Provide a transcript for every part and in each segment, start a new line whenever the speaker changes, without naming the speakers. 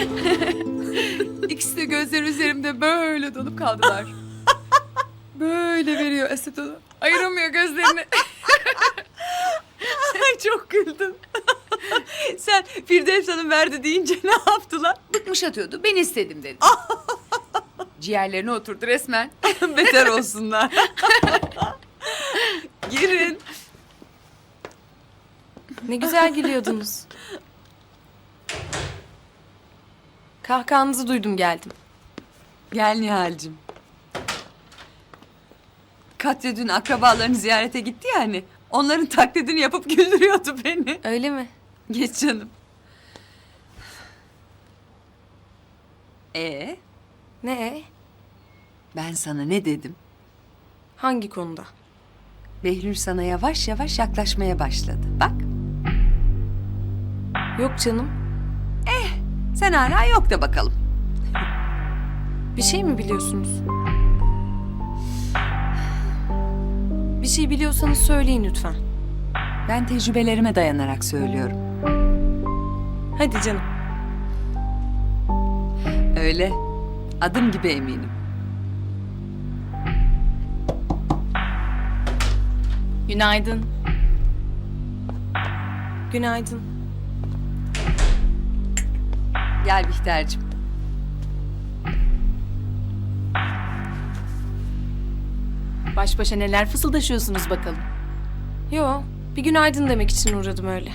İkisi de gözleri üzerimde böyle dolup kaldılar. Böyle veriyor Esat onu. Ayıramıyor gözlerini.
Ay çok güldüm. Sen Firdevs Hanım verdi deyince ne yaptılar?
Bıkmış atıyordu. Ben istedim dedi. Ciğerlerine oturdu resmen.
Beter olsunlar. Girin.
Ne güzel gülüyordunuz. Kahkahanızı duydum geldim.
Gel Nihal'cim. Katya dün akrabalarını ziyarete gitti ya hani. Onların taklidini yapıp güldürüyordu beni.
Öyle mi?
Geç canım.
Ne?
Ben sana ne dedim?
Hangi konuda?
Behlül sana yavaş yavaş yaklaşmaya başladı. Bak,
Yok canım.
sen hala yok da bakalım.
Bir şey mi biliyorsunuz? Bir şey biliyorsanız söyleyin lütfen.
Ben tecrübelerime dayanarak söylüyorum.
Hadi canım.
Öyle. Adım gibi eminim.
Günaydın.
Günaydın.
Gel Bihter'cim.
Baş başa neler fısıldaşıyorsunuz bakalım.
Yo, bir günaydın demek için uğradım öyle.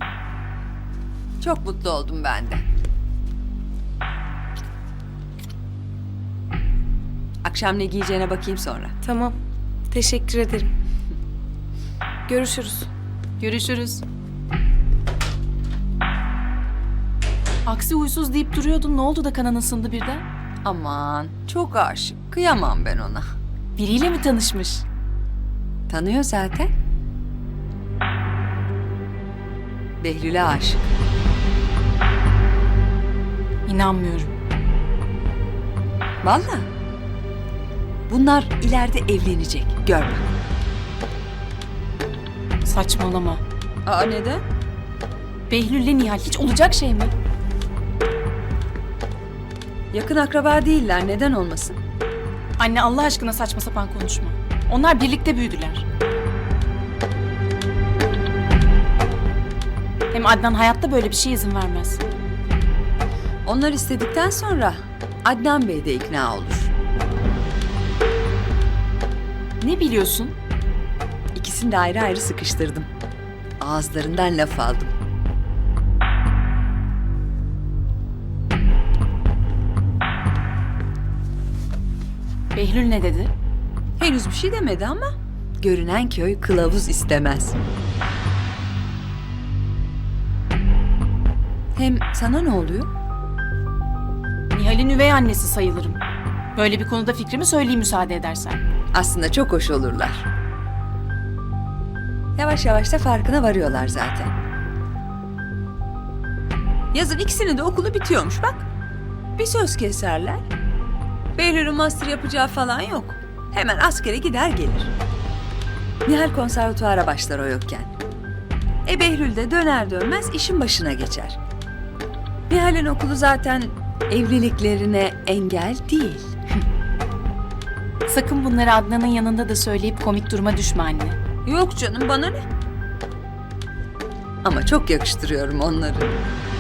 Çok mutlu oldum ben de. Akşam ne giyeceğine bakayım sonra.
Tamam. Teşekkür ederim. Görüşürüz.
Görüşürüz. Aksi huysuz deyip duruyordun. Ne oldu da kanın ısındı birden?
Aman, çok aşık. Kıyamam ben ona.
Biriyle mi tanışmış?
Tanıyor zaten. Behlül'e aşık.
İnanmıyorum.
Vallahi. Bunlar ileride evlenecek. Gör bak.
Saçmalama.
Aa, neden?
Behlül'le Nihal hiç olacak şey mi?
Yakın akraba değiller. Neden olmasın?
Anne Allah aşkına saçma sapan konuşma. Onlar birlikte büyüdüler. Hem Adnan hayatta böyle bir şeye izin vermez.
Onlar istedikten sonra Adnan Bey de ikna olur.
Ne biliyorsun?
İkisini de ayrı ayrı sıkıştırdım. Ağızlarından laf aldım.
Behlül ne dedi?
Henüz bir şey demedi ama görünen köy kılavuz istemez. Hem sana ne oluyor?
Nihal'in üvey annesi sayılırım. Böyle bir konuda fikrimi söyleyeyim müsaade edersen.
Aslında çok hoş olurlar. Yavaş yavaş da farkına varıyorlar zaten. Yazın ikisinin de okulu bitiyormuş bak. Bir söz keserler. Behlül'ün master yapacağı falan yok. Hemen askere gider gelir. Nihal konservatuara başlar o yokken. Behlül de döner dönmez işin başına geçer. Nihal'in okulu zaten evliliklerine engel değil.
Sakın bunları Adnan'ın yanında da söyleyip komik duruma düşme anne.
Yok canım, bana ne? Ama çok yakıştırıyorum onları.